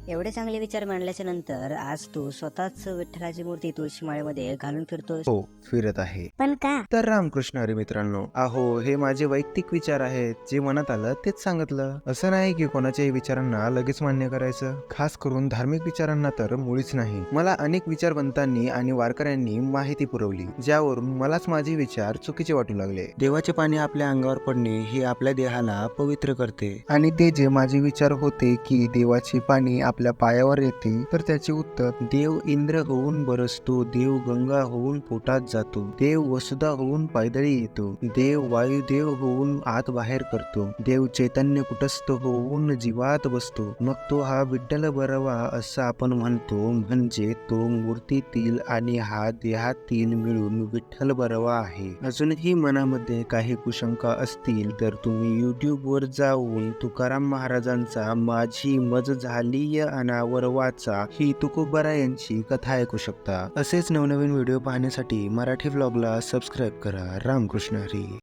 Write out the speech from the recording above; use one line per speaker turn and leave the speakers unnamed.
एवढे चांगले विचार मांडल्याच्या नंतर आज तू स्वतःच विठ्ठलाची मूर्ती तुळशी माळेमध्ये घालून फिरतोस.
हो, फिरत आहे.
पण का?
तर रामकृष्ण हरी मित्रांनो, अहो हे माझे वैयक्तिक विचार आहेत. जे मनात आलं तेच सांगितलं. असं नाही की कोणाच्याही विचारांना लगेच मान्य करायचं. खास करून धार्मिक विचारांना तर मुळीच नाही. मला अनेक विचारवंतांनी आणि वारकऱ्यांनी माहिती पुरवली, ज्यावरून मलाच माझे विचार चुकीचे वाटू लागले. देवाचे पाणी आपल्या अंगावर पडणे हे आपल्या देहाला पवित्र करते, आणि ते जे माझे विचार होते की देवाचे पाणी आपल्या पायावर येते, तर त्याचे उत्तर देव इंद्र होऊन बरसतो, देव गंगा होऊन पोटात जातो, देव वसुधा होऊन पायदळी येतो, देव वायुदेव होऊन आत बाहेर करतो, देव चैतन्य कुटस्थ होऊन जीवात बसतो, मग तो हा विठ्ठल बरवा असं आपण म्हणतो. म्हणजे तो मूर्तीतील आणि हा देहातील मिळून विठ्ठल बरवा आहे. अजूनही मनामध्ये काही कुशंका असतील तर तुम्ही YouTube वर जाऊन तुकाराम महाराजांचा माझी मज झाली अनावर वाचा ही तुकोबरा यांची कथा ऐकू शकता. असेच नवनवीन व्हिडिओ पाहण्यासाठी मराठी व्लॉगला सबस्क्राईब करा. रामकृष्ण हरी.